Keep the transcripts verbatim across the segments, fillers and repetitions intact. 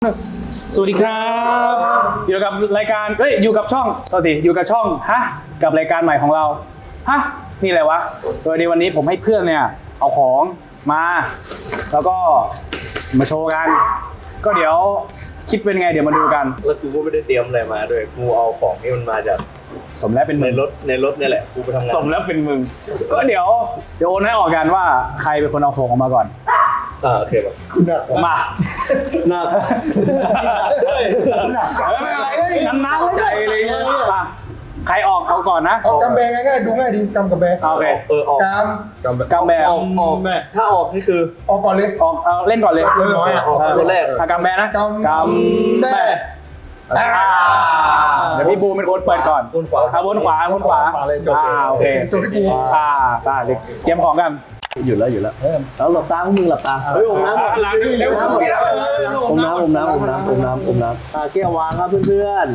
สวัสดีครับอยู่กับรายการเอ้ยอยู่กับช่องสวัสดีอยู่กับช่องฮะกับรายการใหม่ของเราฮะนี่อะไรวะโดยในวันนี้ผมให้เพื่อนเนี่ยเอาของมาแล้วก็มาโชว์กันก็เดี๋ยวคิดเป็นไงเดี๋ยวมาดูกันแล้วกูก็ไม่ได้เตรียมอะไรมาด้วยกูเอาของที่มันมาจากสมแล้วเป็นมึในงรถในรถนี่แหละกูไปทำงานสมแล้วเป็นมึงก็เดี๋ยวเดี๋ยวโอนให้ออกกันว่าใครเป็นคนเอาของออกมาก่อนอ่าโอเคป่ะคุณหนักมาหนักหนักจังไม่เป็นไรนั้นๆใจเลยมาใครออกเอาก่อนนะเอากำแบงง่ายๆดูง่ายดีกำกับแบงโอเคเออออกกำกำกำแบงออกออกแม่ถ้าออกนี่คือออกก่อนเลยออกเอาเล่นก่อนเลยเรียบร้อยอ่ะออกตัวแรกอ่ะกำแบนะกำกำแบอ่าเดี๋ยวพี่บูมเป็นคนเปิดก่อนบนขวาอ่ะบนขวาบนขวาเลยจบอ่าโอเคจบที่กูอ่าตาเด็กเตรียมของกันหยุดแล้วหยุดแล้วแล้วหลับตาพวกมึงหลับตาเฮ้ยอมน้ำหลังเร็วอมน้ำอมน้ำอมน้ำอมน้ำอมน้ำอ่าแก้ววางครับเพื่อน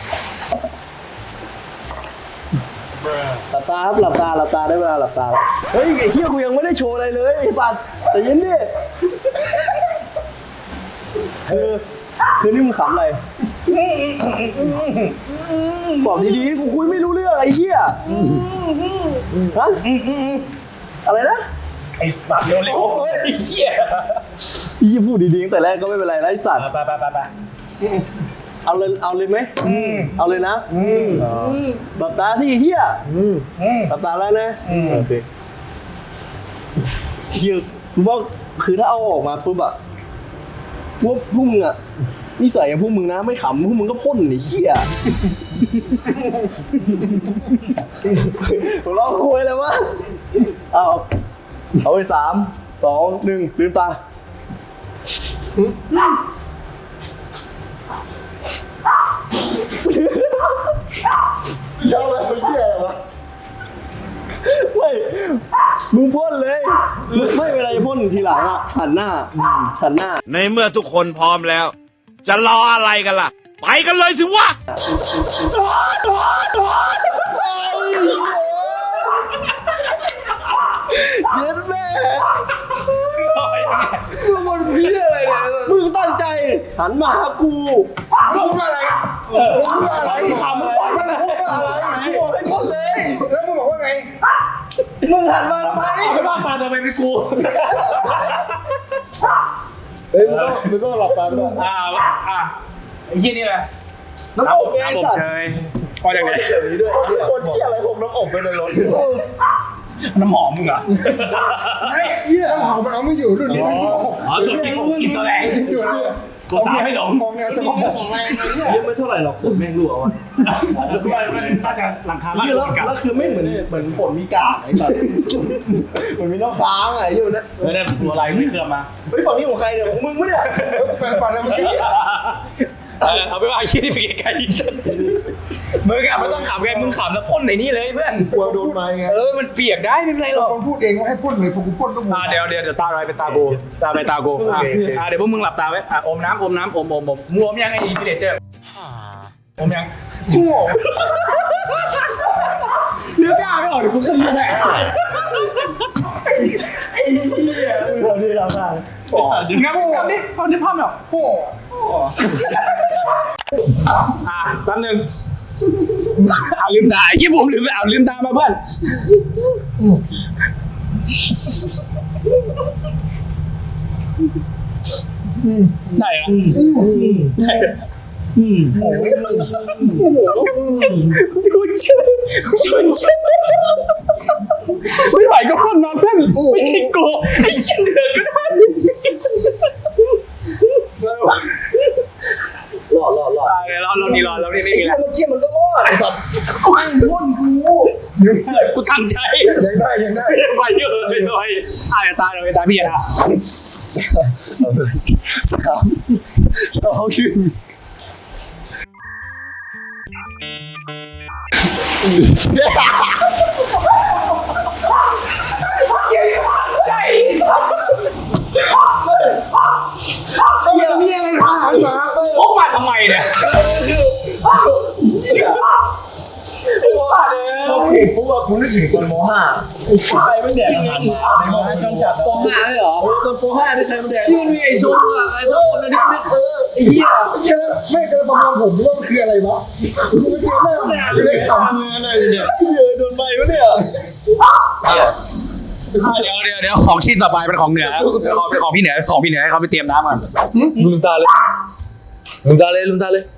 หลับตาครับหลับตาหลับตาได้เวลาหลับตาเฮ้ยไอ้เหี้ยกูยังไม่ได้โชว์อะไรเลยไอ้ปัดแต่ยินดิคือคือนี่มึงขำอะไรบอกดีๆกูคุยไม่รู้เรื่องไอ้เหี้ยฮะอะไรนะไอ้สัตว์เร็วๆไอ้เหี้ยพี่พูดดีๆตั้งแต่แรกก็ไม่เป็นไรนะไอ้สัตว์ไปไปไปไปเอาเลยเอาเลยไหมเอาเลยนะหลับตาที่เหี้ยหลับตาแล้วนะโอเคเที่ยวกูว่าคือถ้าเอาออกมาปุ๊บอะพวกพวกมึงอะนิสัยอย่างพวกมึงนะไม่ขำพวกมึงก็พ่นไอ้เหี้ยผมลองคุยเลยวะเอาเอาไปสามสองหนึ่งลืมตาเยอะเลยเหี้ยอะไรวะไม่มึงพ่นเลยไม่เวลาจะพ่นทีหลังอ่ะหันหน้าหันหน้าในเมื่อทุกคนพร้อมแล้ว จะรออะไรกันล่ะ ไปกันเลยสิวะเย็นแม่มึงบนพี่อะไรเนี่ยมึงตั้งใจหันมาหากูพูดว่าอะไรพูดว่าอะไรขำก่อนมันนะพูดว่าอะไรกูบอกให้พ่นเลยแล้วมึงบอกว่าไงมึงหันมาทำไมไม่ว่ามาทำไมเป็นกูเฮ้ยมึงต้องมึงต้องหลับตาด้วยอ่าอ่าไอ้เหี้ยนี่แหละน้ำอบไงน้ำอบสัตเชว์ยพอจากไหนแบบนี้ด้วยคนที่อะไรผมน้ำอบไปในรถน้ำหอมมึงเหรอเฮ้ยน้ำหอมมันเอาไม่อยู่รุ่นนี้อ๋อตัวจริงกูกินตัวแรงอยู่เนี่ยกูสาวให้หลงมองแนวสมองของแรงไอ้เนี่ยเยอะไม่เท่าไหร่หรอกผมแม่งรั่ววะแล้วก็มันน่าจะหลังคาบ้านแล้วแล้วคือไม่เหมือนเหมือนฝนมีกาไอ้สัตว์เหมือนมีน้ำค้างไอ้ยูนะไม่ได้ตัวอะไรไม่เคลื่อนมาเฮ้ยฝั่งนี้ของใครเนี่ยของมึงมั้ยเนี่ยแฟนฟันแล้วเมื่อกี้เออเอาไปว่าชี้ที่ไปไกลๆมึงอะไม่ต้องขำไงมึงขำแล้วพ่นในนี่เลยเพื่อนกลัวโดนไม้ไงเออมันเปียกได้ไม่เป็นไรหรอกคนพูดเองว่าให้พ่นเลยพอกูพ่นก็หมดอ่าเดี๋ยวเดี๋ยวเดี๋ยวตาอะไรเป็นตาโกตาไปตาโกอ่าอ่าเดี๋ยวพวกมึงหลับตาไว้อ่ะอมน้ำอมน้ำอมอมอมมึงอมยังไอ้พีเดเจอร์อมยังชั่วเนื้อกล้าไม่ออกเดี๋ยวกูขึ้นมาแน่ไอ้เหี้ยเราที่เราได้ไอ้สัตว์งั้นมึงทำดิทำดิภาพแบบโอ้อ่ะแป๊บนึงเอาลืมตายี่ผมลืมเอาลืมตามาเพื่อนได้เหรอได้คุณเชื่อคุณเชื่อไม่ไหวก็พ่นมาเพื่อนไม่ใช่กูไอ้เชี่ยเหลือก็ได้รอดรอดรอดรอเรานี่รอเรานี่ไม่มีแล้วเมื่อกี้มันก็รอดไอ้สัตว์กูไม่พ่นกูกูตั้งใจยังได้ยังได้ไปเยอะเลยเลยอ่ะตาเราไปตาพี่อ่ะสามสองหนึ่งใจเหี้ยมีอะไรทางมาพกมาทำไมเนี่ยพอผิดปุ๊บอะคุณนึกถึงตอนม .ห้าใครไม่แดกอาหารหมาในมอห้าช่องจัดปองห้าเลยเหรอเออตอนป .ห้า นี่ใครมาแดกที่มันมีไอ้ชงอะไอ้ตัวคนนั้นนี่เออไอ้เหี้ยเยอะไม่กระประมงผมว่ามันคืออะไรวะคุณไม่เคยแม่หนาเลยทำงานอะไรเนี่ยเยอะโดนใบวะเนี่ยเดี๋ยวเดี๋ยวเดี๋ยวของชิ้นต่อไปเป็นของเหนือเป็นของเป็นของพี่เหนือของพี่เหนือให้เขาไปเตรียมน้ำก่อนลืมตาเลยลืมตาเลยลืมตาเลย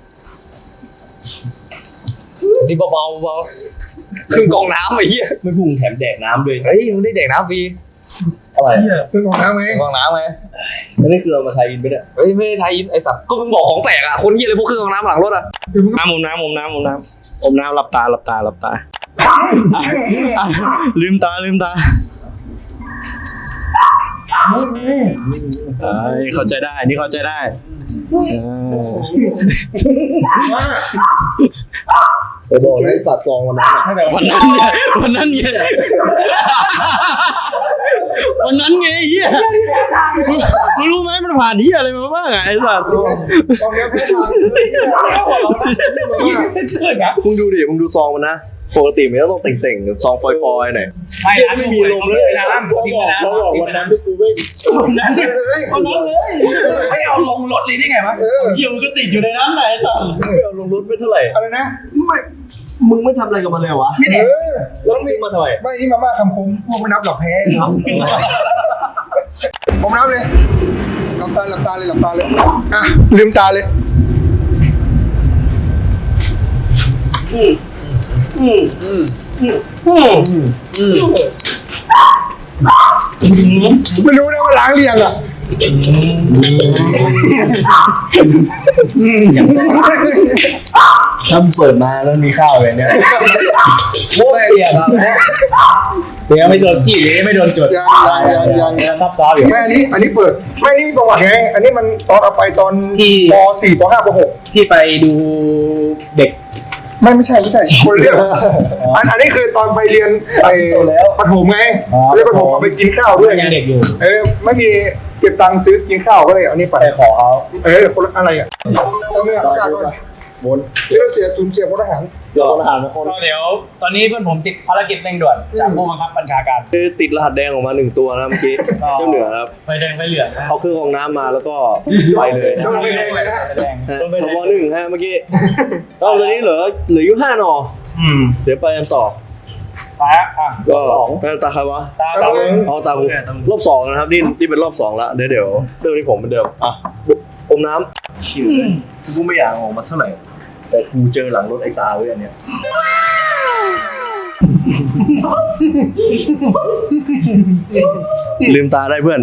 นี่เบาๆเบาๆครึ่งกองน้ำไอ้เหี้ยไม่พุ่งแถมแดกน้ำด้วยเฮ้ยมึงได้เด็กน้ำฟรีอะไรเรื่องของน้ำไหมกองน้ำไงไม่ได้คือเอามาไทยอินไปเนี่ยเฮ้ยไม่ได้ไทยอินไอ้สัตว์ก็มึงบอกของแปลกอะคนเหี้ยเลยพวกเครื่องกองน้ำหลังรถอะน้ำอมน้ำอมน้ำอมน้ำอมน้ำหลับตาหลับตาหลับตาลืมตาลืมตาเอ้ยเข้าใจได้นี่เข้าใจได้ไปบอกเลยตัดซองวันนั้นวันนั้นไงวันนั้นไงวันนั้นไงเฮียมึงรู้ไหมมันผ่านเฮียอะไรมาบ้างไอ้สัตว์ตอนนี้ไม่ทมึงดูดิมึงดูซองมันนะปกติมันจะต้องเต่งๆซองฟอยๆหน่อยไม่เฮียไม่มีลมเลยน้ำทิ้งไปน้ำเราบอกวันนั้นที่กูไม่ำนั่นเลยเอาลงเลยไม่เอาลงรถเลยได้ไงวะเออเฮียมันก็ติดอยู่ในนั้นแหละไอ้สัตว์ไม่เอาลงรถไม่เท่าไหร่อะไรนะไม่มึงไม่ทำอะไรกับมันเลยวะเออแล้วมึงมาทำไมไม่นี่มาม่าคำคมพวกไม่นับหรอกแพ้ผมนับเลยหลับตาหลับตาเลยหลับตาเลยอ่ะลืมตาเลยไม่รู้นะว่าล้างเรียงอ่ะถ้ามึงเปิดมาแล้วมีข้าวเลยเนี่ยโว้ยอ่ะเดี๋ยวไม่โดนจี้ไม่โดนจดยังยังยังยังซับซ้อนอยู่แม่อันนี้อันนี้เปิดไม่นี่มีประวัติไงอันนี้มันตอนเอาไปตอนป .สี่ ป .ห้า ป .หกที่ไปดูเด็กไม่ไม่ใช่ไม่ใช่คนเรื่องอันอันนี้คือตอนไปเรียนไปประถมไงเรียนประถมเอาไปกินข้าวด้วยไงยังเด็กอยู่เออไม่มีเก็บตังค์ซื้อกินข้าวก็เลยเอานี่ไปไปขอเขาเออคนละอะไรอ่ะเอาเมื่อประกาศก่อนบนเรื่องเสียศูนย์เสียพลทหารเจอทหารมาคนก็เดี๋ยวตอนนี้เพื่อนผมติดภารกิจเร่งด่วนจากผู้บังคับบัญชาการคือติดรหัสแดงออกมาหนึ่งตัวนะเมื่อกี้เจ้าเหนือครับไปแดงไปเหลืองนะเอาเครื่องกรองน้ำมาแล้วก็ไปเลยนะโดนไปเลยเลยนะไปแดงฮะพบหนึ่งฮะเมื่อกี้ก็ตอนนี้เหลือเหลืออยู่ห้าหนออืมเดี๋ยวไปกันต่อไปอ่ะก็ตาตาใครวะตาตาเองเอาตาผมรอบสองนะครับนี่นี่เป็นรอบสองละเดี๋ยวเดี๋ยวเรื่องที่ผมเหมือนเดิมอ่ะอมน้ำชิวเลยกูไม่อยากออกมาเท่าไหร่แต่กูเจอหลังรถไอ้ตาไว้อันเนี้ยลืมตาได้เพื่อน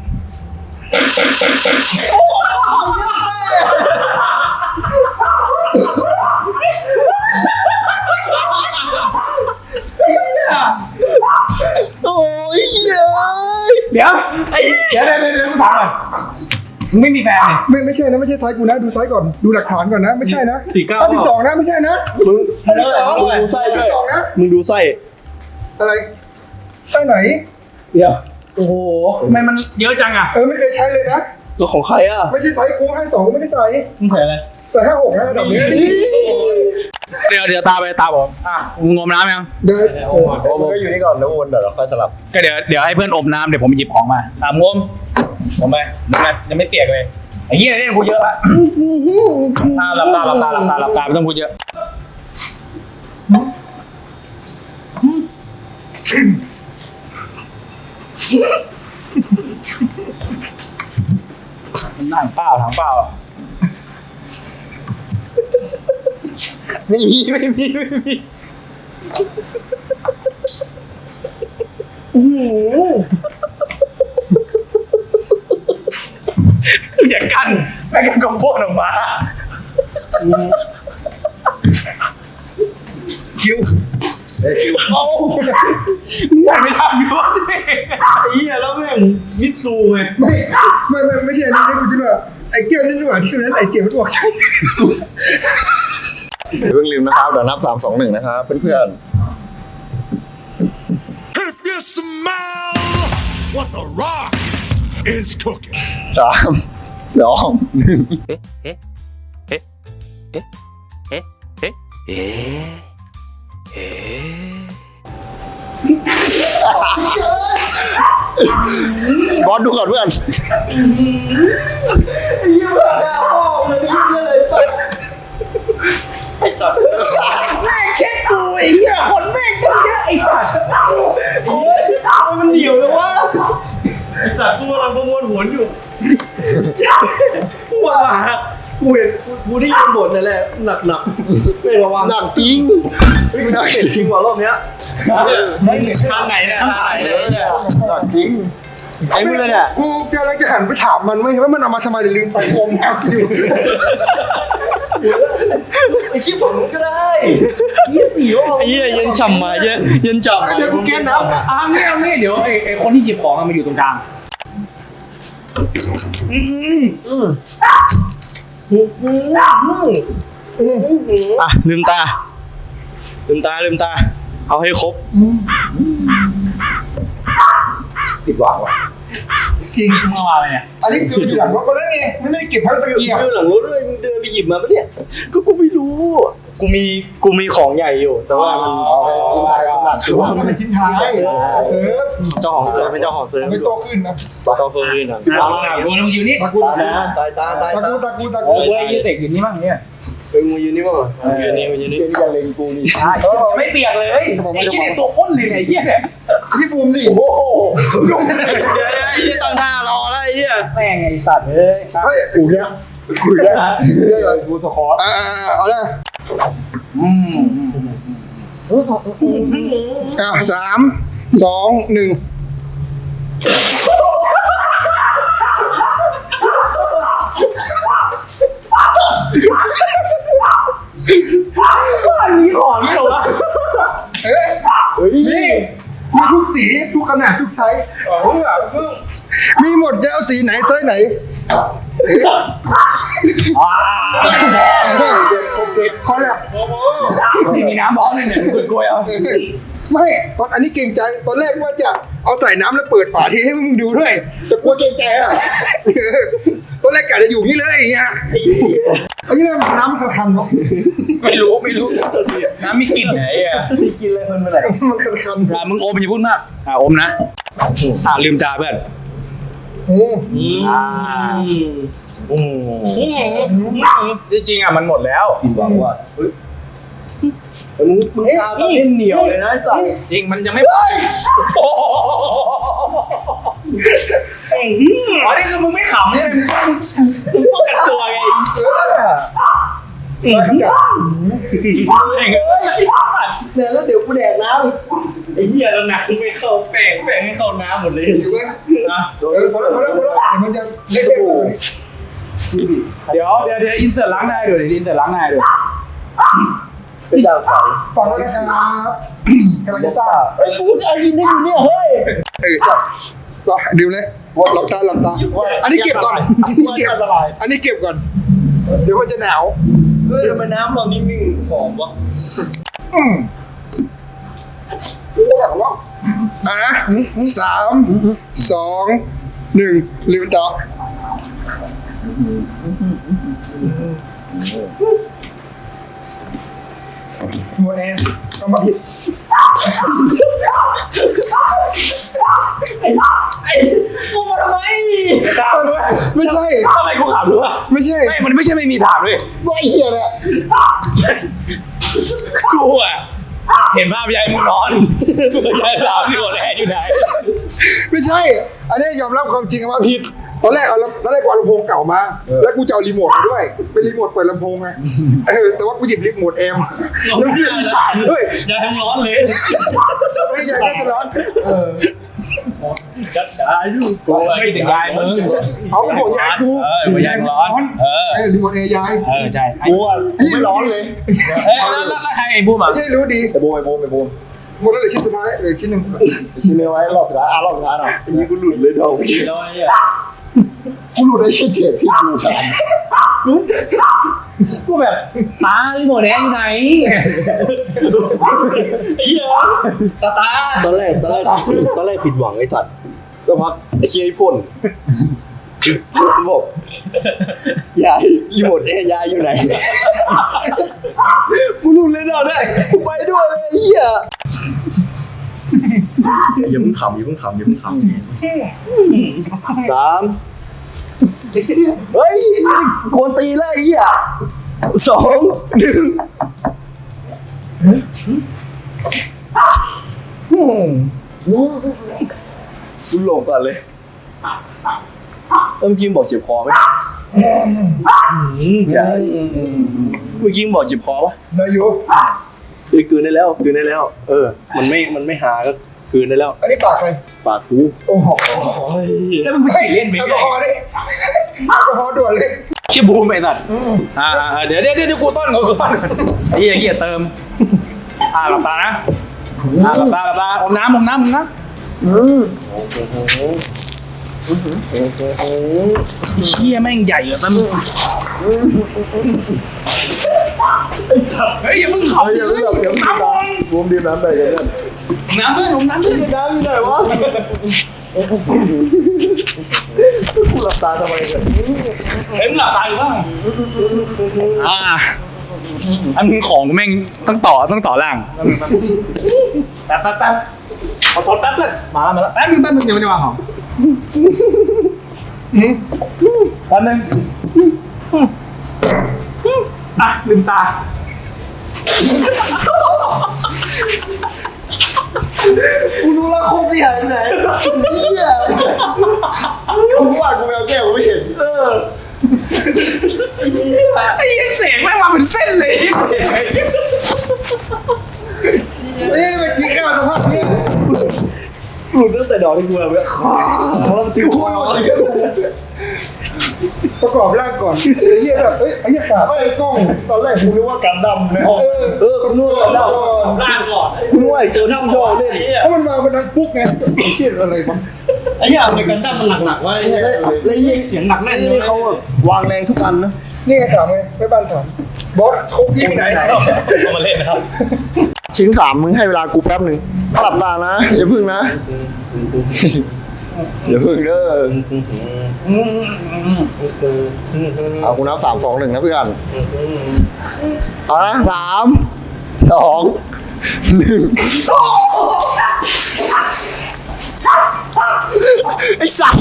โอ้ยเย้ยเดี๋ยวเดี๋ยวเดี๋ยวเดี๋ยวเดี๋ยวกูถามก่อนมึงไม่มีแฟนเนี่ยไม่ไม่ใช่นะไม่ใช่ไซส์กูนะดูไซส์ก่อนดูหลักฐานก่อนนะไม่ใช่นะสี่เก้าห้าสิบสองนะไม่ใช่นะมึงห้าสิบสองมึงดูไส้ด้วยสองนะมึงดูไส้อะไรไส้ไหนเดี๋ยวโอ้โหทำไมมันเยอะจังอ่ะเออไม่เคยใช้เลยนะก็ของใครอ่ะไม่ใช่ไซส์กูให้สองกูไม่ได้ใส่มึงใส่อะไรใส่ห้าหกนะระดับนี้เดี๋ยวเดี๋ยวตาไปตาผมอ่ะมึงงมน้ำยังเดินมึงก็อยู่นี่ก่อนแล้ววนเดี๋ยวเราค่อยสลับก็เดี๋ยวเดี๋ยวให้เพื่อนอมน้ำเดี๋ยวผมหยิบของมาตามงมผมไปยังไงยังไม่เปียกเลยไอ้เหี้ยเล่นกูเยอะละอ่าหลับตาหลับตาหลับตาหลับตาไม่ต้องพูดเยอะนั่งเปล่าถังเปล่าไม่มีไม่มีไม่มีอย่ากั้นไม่กั้นก็พ่นออกมาคิวเอ้ยคิวโอ้มึงไม่ทำอยู่ไอ้เหี้ยแล้วแม่งมิตซูไงไม่ไม่ไม่ไม่ใช่อันนี้นี่กูจะว่าไอ้เกี้ยวนี่นี่หว่าที่นั้นไอ้เจียวมันบอกใช่อย่าเพิ่งลืมนะครับ เดี๋ยวนับสามสองหนึ่งนะครับเพื่อน If you smell what the rock is cooking. ๆสามสองหนึ่งเบอสดูก่อนเพื่อนยี่ห้อหน้าพ่อมันยี่ห้ออะไรต่อไอ้สัตว์แม่งเช็ดกูไอ้เหี้ยคนแม่งก็เยอะไอ้สัตว์โอ้ยมันเหนียวเลยวะไอ้สัตว์กูกำลังประมวลผลอยู่ว้ากูเห็นกูได้ยินบทนั่นแหละหนักหนักไม่ระวังหนักจริงไม่หนักจริงกว่ารอบเนี้ยไม่เหนื่อยทางไหนเนี่ยทางไหนเนี่ยหนักจริงไอ้มึงเลยเนี่ยกูกำลังจะหันไปถามมันว่าว่ามันเอามาทำไมลืมไปอมน้ำอยู่ไอ้ขี้ฝั่งนู้นก็ได้ยี่สี่รอบไอ้เหี้ยเย็นฉ่ำมาเย็นเย็นฉ่ำเดี๋ยวกูแก้น้ำอ่ะงี้เอางี้เดี๋ยวไอ้ไอ้คนที่หยิบของอะมาอยู่ตรงกลางอ่ะลืมตาลืมตาลืมตา เอาให้ครบติดหวังว่ะจริงมึงเอามาเลยเนี่ยอันนี้คืออยู่หลังรถก็แล้วไงไม่ได้เก็บพักเกียร์อยู่หลังรถด้วยมึงเดินไปหยิบมาปะเนี่ยก็กูไม่รู้ กูมีกูมีของใหญ่อยู่ แต่ว่ามันเอาไปชิ้นท้ายสำหรับถือว่ามันเป็นชิ้นท้ายเออเจ้าของเซิร์ฟเป็นเจ้าของเซิร์ฟไม่โตขึ้นนะเจ้าของเซิร์ฟนี่นะเอามาดูมึงอยู่นี่ตากูตาตายตาตายตาตากูตากูตาโอ้กูยยืดเด็กอยู่นี่บ้างเนี่ยเป็นมึงยืนนี่มั้งอยู่นี่อยู่นี่เดี๋ยวนี้จะเล็งกูนี่ไม่เปียกเลยไอ้ยี่เนี่ยตัวพ่นเลยเนี่ยไอ้เหี้ยเนี่ยที่บูมดิโอ้โหเดี๋ยวไอ้เหี้ยตั้งท่ารอแล้วไอ้เหี้ยแม่งไอ้สัตว์เอ้ยเฮ้ยกูเนี่ยกูเนี่ยเรียกอะไรกูสคอร์อ่าเอาเลยอืมอ่ะสามสองหนึ่งอันนี้ของนี่เหรอวะเอ้ยนี่มีทุกสีทุกขนาดทุกไซส์มีหมดจะเอาสีไหนไซส์ไหนอ่าคอแลบไม่มีน้ำบอสเลยเนี่ยมึงกลัวๆเอาไม่ตอนอันนี้เกรงใจตอนแรกว่าจะเอาใส่น้ำแล้วเปิดฝาทีให้มึงดูด้วยแต่กลัวเกรงใจอ่ะตอนแรกกะจะอยู่นี่เลยอย่างเงี้ยไอ้เรื่องน้ำมันคันๆเนาะไม่รู้ไม่รู้น้ำมีกลิ่นไหนอ่ะที่กินอะไรมันไปไหนมันคันอ่ะมึงอมอย่าพูดมากอ่ะอมนะอ่ะลืมตาเพื่อนๆอืมอ่าจริงๆอ่ะมันหมดแล้วหวังว่ามึงมึงตาตอนนี้เหนียวเลยนะไอ้สัตว์จริงมันยังไม่โอ้โหอ๋อนี่คือมึงไม่ขำใช่ไหมมึงป้องกันตัวไงได้ครับจ้ะเนี่ยแล้วเดี๋ยวกูแดกน้ไอ้เหี้ยแล้วน้ำไม่เข้าแป้งแป้งไม่เข้าน้ำหมดเลยอยู่ไหมนะเออพอแล้วพอแล้วพอแล้วเดี๋ยวมันจะเละๆเลยำจีบีเดี๋ยวเดี๋ยวเดี๋ยวอินเสิร์ตล้างหน้าดูเดี๋ยวอินเสิร์ตล้างหน้าดูเป็นดาวใสฟังแล้วนะครับกำลังจะทราบไอ้กูจะยินได้อยู่เนี่ยเฮ้ยเออใช่รอดื่มเลยหลับตาหลับตาอันนี้เก็บก่อนอันนี้เก็บอันนี้เก็บก่อนเดี๋ยวมันจะหนาวเฮ้ยทำไมน้ำเรานี่มิ่งหอมวะอืมอ่ะนะสามสองหนึ่งลืมตาหมดเองก็มาผิดกูมาทำไมถามด้วยไม่ใช่ทำไมกูขำด้วยไม่ใช่ไม่มันไม่ใช่ไม่มีถามด้วยว่าไอ้เหี้ยเนี่ยกูอ่ะเห็นภาพยายมึงนอนยายถามอยู่แลอยู่ไหนไม่ใช่ อันนี้ยอมรับความจริงว่าผิดตอนแรกเอาตอนแรกกูเอาลำโพงเก่ามา แล้วกูจะเอารีโมทมาด้วยเป็นรีโมทเปิดลำโพงไงเออแต่ว่ากูหยิบรีโมทแอมแล้วเพื่อนอีสานด้วยอย่าให้ร้อนเลยไม่อยากได้จะร้อนเออจัดการอยู่กูไม่ถึงยายมึงเอาเป็นหัวยายกูเออหัวยายมึงร้อนเออเออรีโมทแอร์ยายเออใช่ไอ้กูอ่ะกูไม่ร้อนเลยเฮ้ยแล้วแล้วแล้วใครไอ้บูมอ่ะไม่รู้ดีไปบูมไปบูมไปบูมหมดแล้วเหลือชิ้นสุดท้ายเหลือชิ้นหนึ่งชิ้นเนื้อไว้รอบสุดท้ายอ่ะรอบสุดท้ายหน่อยนี่กูหลุดเลยดอกแล้วไอ้เหี้ยกูหลุดได้ชิ้นเจ็ดพี่ดูกันกูแบบตาลิโมเนสอยู่ไหนไอ้เหี้ยตาตาตอนแรกตอนแรกตอนแรกผิดหวังไอ้สัตว์สักพักไอ้เชียร์ไอ้พ่นบอกยายรีโมทแอร์ยายอยู่ไหนกูหลุดเลยดอกได้กูไปด้วยเลยไอ้เหี้ยอย่าเพิ่งขำอย่าเพิ่งขำอย่าเพิ่งขำสามเฮ้ยกวนตีแล้วไอ้เหี้ยสองหนึ่งคุณหลงก่อนเลยเมื่อกี้บอกเจ็บคอไหมอย่าเมื่อกี้บอกเจ็บคอปะนายกเอ้ยกลืนได้แล้วกลืนได้แล้ว เออ มันไม่มันไม่หาก็กลืนได้แล้วอันนี้ปากใครปากกูโอ้โหแล้วมึงไปฉี่เล่นไปแอลกเรื่ออยฮอล์ดิแอลกอฮอล์ด่วนเลยเชี่ยบูมไปสัตว์อ่าอ่าเดี๋ยวเดี๋ยวเดี๋ยวกูต้อนก่อนกูต้อนก่อนไอ้เหี้ยเกียเติมอ่าหลับตานะอ่าหลับตาหลับตาอมน้ำอมน้ำอมน้ำเชี่ยแม่งใหญ่อะตั้มไอ้สัตว์เฮ้ยอย่ามึงเขาอย่าเพิ่งหลับเดี๋ยวน้ำบอลรวมดื่มน้ำไปกันเนี่ยน้ำเพื่อนอมน้ำเพื่อนน้ำอยู่ไหนวะกูหลับตาทำไมกันเฮ้ยมึงหลับตาอยู่บ้างอ่าอันมึงของแม่งต้องต่อต้องต่อล่างแป๊บแป๊บแป๊บขอทดแป๊บเลยมาแล้วมาแล้วแป๊บนึงแป๊บนึงยังไม่ได้วางของแป๊บนึงอ่ะลืมตากูรู้แล้วโคตรใหญ่ไหนเนี่ยกูว่ากูเอาแก้วกูไม่เห็นเออไอ้ยังเสียงแม่งมาเป็นเส้นเลยเอ้ยไปกินแก้วสภาพนี้หลุดตั้งแต่ดอกที่กูเอาไว้ขาแล้วมันติวคอประกอบร่างก่อนไอ้เหี้ยแบบเอ้ยไอ้เหี้ยขาไม่กล้องตอนแรกกูนึกว่ากันดำในห้องเออกูนึกว่ากันดำล่างก่อนกูนึกว่าไอ้ตัวที่มึงชอบเล่นเพราะมันมาเป็นดังปุ๊กไงไอ้เชี่ยอะไรมั้งไอ้เหี้ยอเมริกันดั้มมันหนักๆว่าไอ้เหี้ยแล้วยิ่งเสียงหนักแน่นนี่เขาแบบวางแรงทุกอันนะนี่ไงถามไงไม่บ้านถามบอสโคบพี่ไปไหนเอามาเล่นนะครับชิ้นสามมึงให้เวลากูแป๊บหนึ่งหลับตานะอย่าพึ่งนะอย่าพึ่งเด้อเอากูนับสามสองหนึ่งนะเพื่อนเอานะสามสองหนึ่งไอ้สัตว์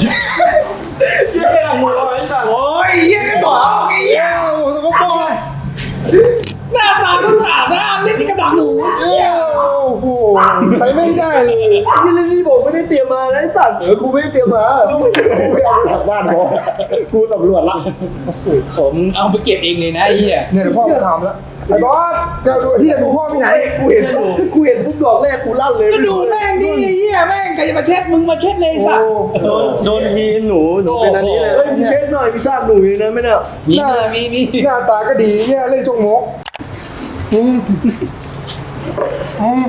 โอ้ยเหี้ยต่อไอ้เหี้ยโอ้โหสกปรกหน้าตาก็สาดหน้าเล่นกับดักหนูโอ้โหใช้ไม่ได้เลยที่เล่นนี่บอกไม่ได้เตรียมมานะไอ้สัตว์เออกูไม่ได้เตรียมมากูไม่เอาหลักบ้านพอกูสำรวจละผมเอาไปเก็บเองเลยนะไอ้เหี้ยเนี่ยเดี๋ยวพ่อมาถามแล้วไอ้บอสจะดูที่จะดูพ่อที่ไหนกูเห็นกูเห็นปุ๊บดอกแรกกูลั่นเลยก็ดูแม่งดิไอ้เหี้ยแม่งใครจะมาเช็ดมึงมาเช็ดเลยสัตว์โดนโดนทีหนูหนูเป็นอันนี้เลยเฮ้ยมึงเช็ดหน่อยมีซากหนูอยู่นะไม่เนี่ยมีหน้ามีมีหน้าตาก็ดีเนี่ยเล่นทรงมกอืมอืม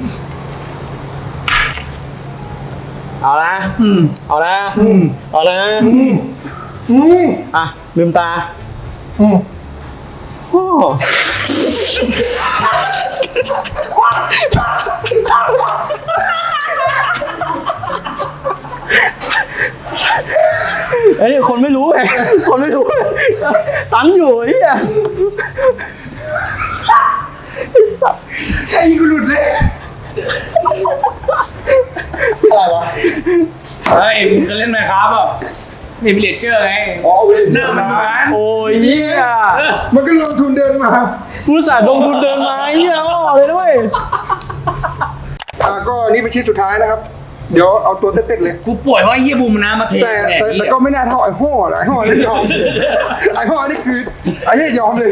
เอาละเอาละเอาละอืมอ่ะลืมตาอืมโอ้ไอ้คนไม่รู้ไงคนไม่รู้ตันอยู่ไอ้เหี้ยไอ้สัตว์ไอ้กูหลุดเลยอะไรวะเฮ้ยมึงจะเล่นไหมครับอ่ะนี่เป็นเลเจอร์ไงอ๋อเว้ยหน้ามันเหมือนโอ้ยเหี้ยมันก็ลงทุนเดินมาผู้สาห์ลงทุนเดินมาไอ้เหี้ยอ้อเลยด้วยอ่าก็นี่เป็นชิ้นสุดท้ายนะครับ เดี๋ยวเอาตัวเต็ดๆเลยกูป่วยว่าเยี่ยบูมน้ำมาเทแต่แต่แต่ก็ไม่น่าเท่าไอ้ห่อเลยไอ้ห่อนี่ยอมไอ้ห่อนี่คือไอ้เหี้ยยอมเลย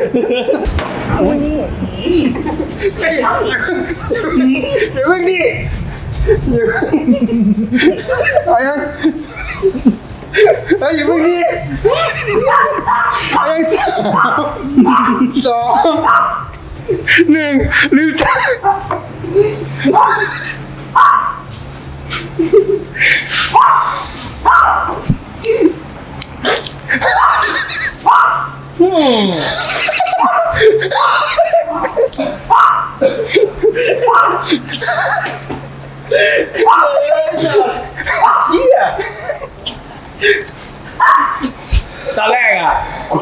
ไอ้อย่าอย่าเพิ่งดิอย่าเพิ่งไอ้ยังไอ้อย่าเพิ่งดิไอ้ยังสามสองหนึ่งลืมตาเหี้ยตอนแรกอ่ะ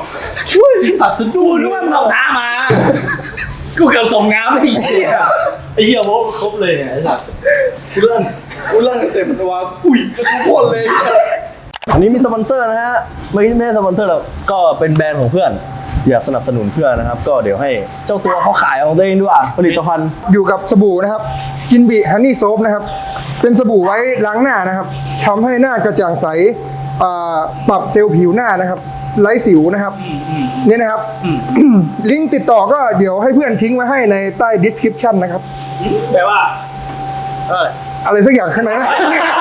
สัตว์สะดุ้กูงนึกว่ามึงเอาน้ำมา กูเกือบส่งน้ำไปอีกเหี้ยไอ้อ้เหี้ยโม้ครบเลยเนี่ยไอ้สัสกูเล่นกูเล่นเต็มตัวอุ้ยกระทุกคนเลยอันนี้มีสปอนเซอร์นะฮะไม่ไม่ใช่สปอนเซอร์หรอกก็เป็นแบรนด์ของเพื่อน อยากสนับสนุนเพื่อนนะครับ ก็เดี๋ยวให้เจ้าตัวเขาขายของตัวเองด้วยผลิตภัณฑ์อยู่กับสบู่นะครับจินบิฮันนี่โซฟนะครับเป็นสบู่ไว้ล้างหน้านะครับทำให้หน้ากระจ่างใสอ่าปรับเซลล์ผิวหน้านะครับไร้สิวนะครับนี่นะครับลิงก์ติดต่อก็เดี๋ยวให้เพื่อนทิ้งไว้ให้ในใต้ description นะครับแปลว่าเอออะไรสักอย่างข้างในนะ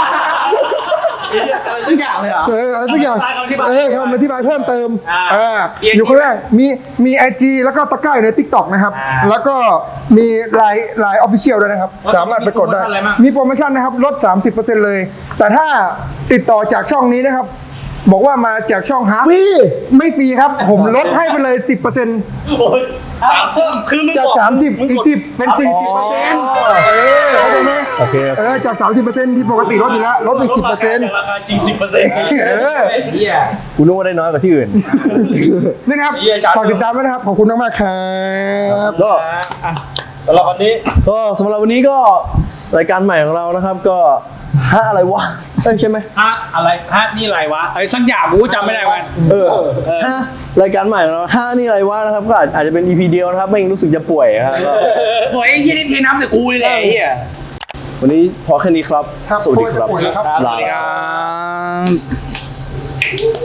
อะไรสักอย่างเลยเหรอเอออะไรสักอย่างคำอธิบายเออคำอธิบายเพิ่มเติมอ่าอ่าอยู่ข้างล่างมีมีไอจีแล้วก็ตะกร้าอยู่ใน TikTok นะครับอ่าแล้วก็มีไลน์ไลน์ออฟฟิเชียลด้วยนะครับ สามารถไปกดได้มีโปรโมชั่นอะไรบ้างมีโปรโมชั่นนะครับลด สามสิบเปอร์เซ็นต์ เลย แต่ถ้าติดต่อจากช่องนี้นะครับ บอกว่ามาจากช่องฮาร์ฟรีไม่ฟรีครับ ผมลดให้ไปเลย สิบเปอร์เซ็นต์โอ้ยสามสิบคือมึงจากบอกสามสิบมึงอีกดสิบเป็น สี่สิบเปอร์เซ็นต์ เออเข้าใจไหมโอเคเออจาก สามสิบเปอร์เซ็นต์ ที่ปกติลดอยู่แล้วลดไปสิบเปอร์เซ็นต์ราคาจริงสิบเปอร์เซ็นต์เออเฮียกูนึกว่าได้น้อยกว่าที่อื่นนี่นะครับเหี้ยจัดฝากติดตามด้วยนะครับ ขอบคุณมากๆครับก็สำหรับวันนี้ก็สำหรับวันนี้ก็รายการใหม่ของเรานะครับ ก็ฮะอะไรวะเอ้ยใช่ไหมฮะอะไรฮะนี่อะไรวะอะไรสักอย่างกูก็จำไม่ได้เหมือนกันเออฮะรายการใหม่ของเราฮะนี่อะไรวะนะครับก็อาจอาจจะเป็น อี พี เดียวนะครับไม่งั้นรู้สึกจะป่วยครับก็โอ้ยไอ้เฮียนี่เทน้ำใส่กูเลยแหละไอ้เฮียวันนี้พอแค่นี้ครับครับสวัสดีครับป่วยแล้วครับครับสลาวัสดีครับ